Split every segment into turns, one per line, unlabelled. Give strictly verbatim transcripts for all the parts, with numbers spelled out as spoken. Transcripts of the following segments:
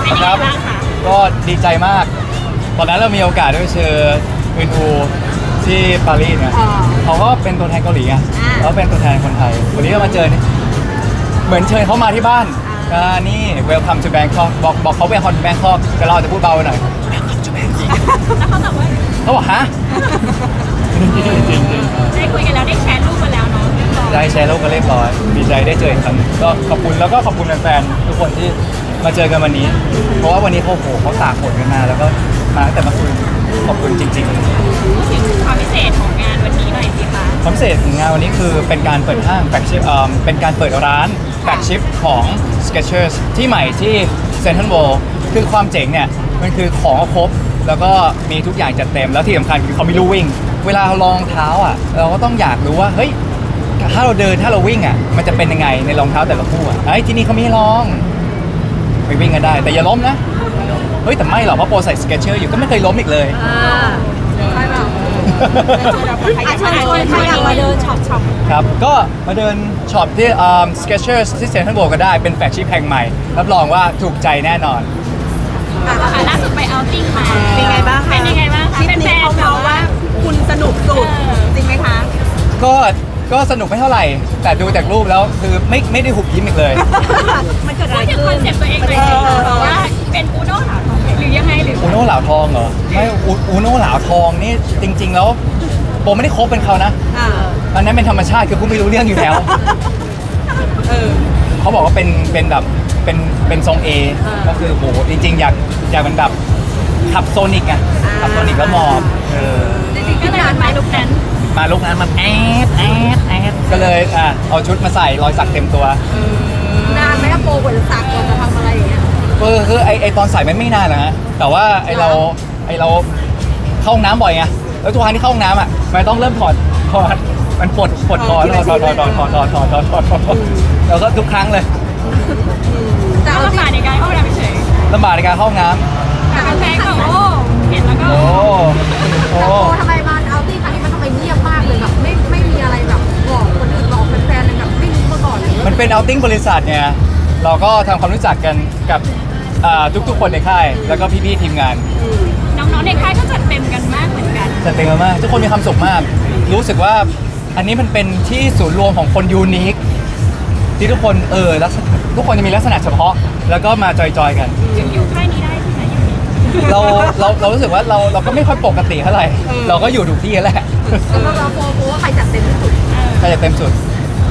เป็นยังไงบ้างคะ
ก็ดีใจมากตอนนั้นเรามีโอกาสได้ไปเจออึนอูที่ปารีสเนี่ยเขาก็เป็นตัวแทนเกาหลีไงแล้วเป็นตัวแทนคนไทยวันนี้ก็มาเจอนี่เหมือนเชิญเขามาที่บ้านอ่านี่ welcome to Bangkok บอกบอกเขา welcome to Bangkok แต่เราจะพูดเบาหน่อย welcome to Bangkok
แล้วเขาตอบว่า
เขาบอกฮะจริงจริง
ได้คุยกันแล้วได้แชร์รูปกันแล้วเนาะเรียบร้อย
ได้แชร์โลกกันเรียบร้อยดีใจได้เจออีกครั้งก็ขอบคุณแล้วก็ขอบคุณแฟนๆทุกคนที่มาเจอกันวันนี้ เพราะว่าวันนี้เขาโหเขาตากฝนกันมาแล้วก็มาตั้งแต่เมื่อคืนขอบคุณจริงๆ
พูดถึงความพิเศษของงานวันนี้หน่อยสิคะ
ความพิเศษของงานวันนี้คือเป็นการเปิดห้างแฟกชิปเป็นการเปิดร้านแฟกชิปของ Skechers ที่ใหม่ที่ Central World คือความเจ๋งเนี่ยมันคือของครบแล้วก็มีทุกอย่างจัดเต็มแล้วที่สำคัญคือเขามีลู่วิ่งเวลาเราลองเท้าอ่ะเราก็ต้องอยากรู้ว่าเฮ้ยถ้าเราเดินถ้าเราวิ่งอ่ะมันจะเป็นยังไงในรองเท้าแต่ละคู่อ่ะไอ้ที่นี่เขามีให้ลองไปวิ่งกันได้แต่อย่าล้มนะเฮ้ยแต่ไม่หรอกเพราะโปรใส่ Skechers อยู่ก็ไม่เคยล้มอีกเลย
ใช่เปล่าอ่ะเชิญชวนใครอยากมาเดินช็อปช็อป
ครับ ก็มาเดินช็อปที่ Skechers ที่เซ็นทรัลเวิลด์ก็ได้เป็นแฟลกชิพแห่งใหม่รับรองว่าถูกใจแน่นอน
อ่ะล่าสุดไปเอาท์ติ้งมา
เป็นไงบ้างคะ
เป็นยังไงบ้าง
ค
คะ
ลิป
เป็นแฟ
นี้
น
เขา
แบ
เมา
บ
ว่า
ว่า
คุณสนุกสุดจริงไหมคะ
ก็ก็สนุกไม่เท่าไหร่ แต่ดูจากรูปแล้วคือไม่ไม่ได้หุบยิ้มอีกเลย
มันเกิดอะ
พู
ไร
ดถึง
ขึ้
คอน นเซ็ปต์ตัวเองหน่อยสิบอกว่าเป็นอูโน่หลาทองหรือยังไงหรือ
อูโน่เหลาทองเหรอไม่อูอูโน่เหลาทองนี่จริง ๆ แล้วโปไม่ได้คบเป็นเขานะ
อ่า
อันนั้นเป็นธรรมชาติคือกูไม่รู้เรื่องอยู่แล้ว
เออ
เขาบอกว่าเป็นเป็นแบบเป็นเป็นทรง A
อ่า
ก็คือโหจริง ๆ อยากอยากเป็นแบบขับโซนิกไง
อ่า
ขับโซนิกแล้วมอบเออ
จริงๆก็เลยมาลุกนั้น
มาลุกนั้นมันแอดแอดแอดก็เลยอ่ะเอาชุดมาใส่รอยสักเต็มตัว
นานไหมอะโปรกว่าจะสักกว่าจะทำอะไรอย่างเงี้ย
เออคือไอไอตอนใส่มันไม่นานนะฮะแต่ว่าไอเราไอเราเข้าห้องน้ำบ่อยไงแล้วทุกครั้งที่เข้าห้องน้ำอ่ะมันต้องเริ่มถอดถอดมันปวดปวดคอถอดถอดถอดถอดถอดถอดถอดถอดถอดถอดถอดแล้วก็ทุกครั้งเลย
แต่
ก็
เอาจริ
ลำบาก
ง
ในการเข้าน้ำเฉย
ลำบากในการเข้าห้องน้
แต่แฟนก็โอ้เห็นแล้วก็
ำโอ้โอ้
แต่โปรทำไมมันเอาติ้งครั้งนี้มันทำไมเงียบมากเลยแบบไม่ไม่มีอะไรแบบบอกคนอื่นบอกแฟนๆเลยแบบไม่รู้มาก่อนเลย
มันเป็นเอาติ้งบริษัทเนี่ยเราก็ทำความรู้จักกันกับอ่าทุกๆคนในค่ายแล้วก็พี่ๆทีมงาน
น้องๆในค่ายก็จัดเต็มกันมากเหมือนกัน
จัดเต็มมากทุกคนมีความสุขมาก รู้สึกว่าอันนี้มันเป็นที่ศูนย์รวมของคนยูนิคที่ทุกคนเออลักษณะทุกคนจะมีลักษณะเฉพาะ แล้วก็มาจอยๆกัน
อยู่ค่ายนี้ได้ใช่ไหมอยู่นี่
เราเราเรารู้สึกว่าเราเราก็ไม่ค่อยปกติเท่าไหร่ เราก็อยู่ถูกที่แหละ
สำหรับเราโปรโปรว่าใครจัดเต็มที่สุด
ใครจะเต็มสุด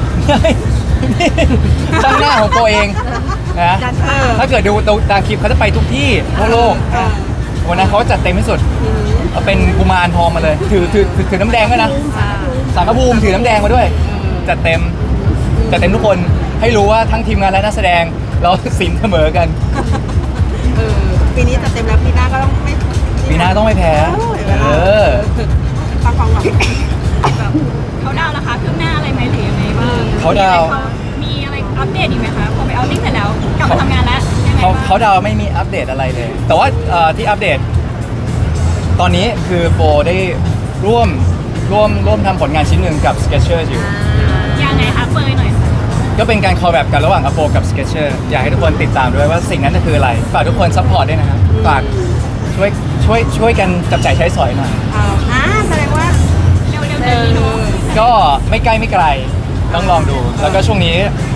ช่างหน้าของตัวเองนะถ้าเกิดดูตามคลิปเขาจะไปทุกที่ทั่วโลกวันนั้นเขาจัดเต็มที่สุดเอาเป็นกุมารทองมาเลย ถือถือถือถือน้ำแดงด้วยนะสารพระภูมิถือน้ำแดงมาด้วย จัดเต็มจัดเต็มทุกคนให้รู้ว่าทั้งทีมงานและนักแสดงเราสินเสมอกัน
เออปีนี้จัดเต็มแล้วปีหน้าก็ต้องไม่
ปีหน้าต้องไม่แพ้เออ
ฟังฟังหวัง
แบบเขาดาวน์ราคาขึ้นหน้าอะไรไหมหรือยังไงบ้าง
เขาดาวน์
มีอะไรอัปเดตอีกไหมคะพอไปเอาติ้งเสร็จแล้วกลับมาทำงานแล้วยังไง
เขา
บ้าง
เขาดาวไม่มีอัปเดตอะไรเลย แต่ว่าเอ่อที่อัปเดต ตอนนี้คือโฟได้ร่วมร่วมร่วมทำผลงานชิ้นหนึ่งกับ Skechers อยู่
ยังไงคะเปยหน่อยค่ะ
ก็เป็นการคอลแลบกันระหว่างอโฟกับ Skechers อยากให้ทุกคนติดตามด้วยว่าสิ่งนั้นจะคืออะไร ฝากทุกคนซัพพอร์ตด้วยนะครับ ฝากช่วยช่วยช่วยกันจับจ่ายใช้สอยหน่อย
อ่าแสดงว่า
เร็วๆเดือนนี้เนาะ
ก็ไม่ใกล้ไม่ไกลต้องลองดู แล้วก็ช่วงนี้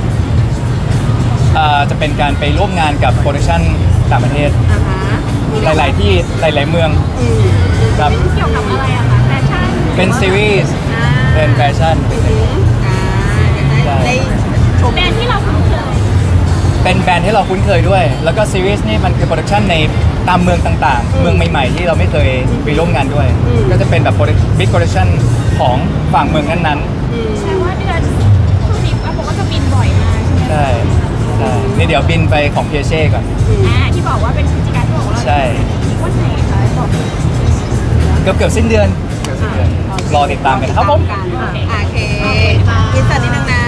อ่าจะเป็นการไปร่วมงานกับโปรดักชั่นต่างประเทศ
อ่าฮะ
หลาย ๆ ที่หลาย ๆ เมือง
อืม
ครับ
เกี่ยวกับอะไรอะคะแฟชั่น
เป็นซีรีส์
อ่า
เป็นแฟชั่น
อ่าได้ได้ชม
แบรนด์ที่เราคุ้นเคย
เป็นแบรนด์ที่เราคุ้นเคยด้วย แล้วก็ซีรีส์นี่มันคือโปรดักชันในตามเมืองต่าง ๆ เมืองใหม่ ๆ ที่เราไม่เคยไปร่วมงานด้วย ก็จะเป็นแบบบิ๊กโปรดักชันของฝั่งเมืองนั้น
อืม
แปลว่าเดือนช่วงนี้ว่าผมก็จะบินบ่อยมากใช่ไหม
ๆ ใช่ใช่นี่เดี๋ยวบินไปของเพียเช่ก่อน
อ่าที่บอกว่าเป็นพฤศจิกายนที่บอกว่าเรา
ใช่
วันไหนคะบอก
เกือบเกือบสิ้นเดือนเกือบสิ้นเดือน รอติดตามกันนะครับผม
โอเคอินเสิร์ตนิดนึงนะ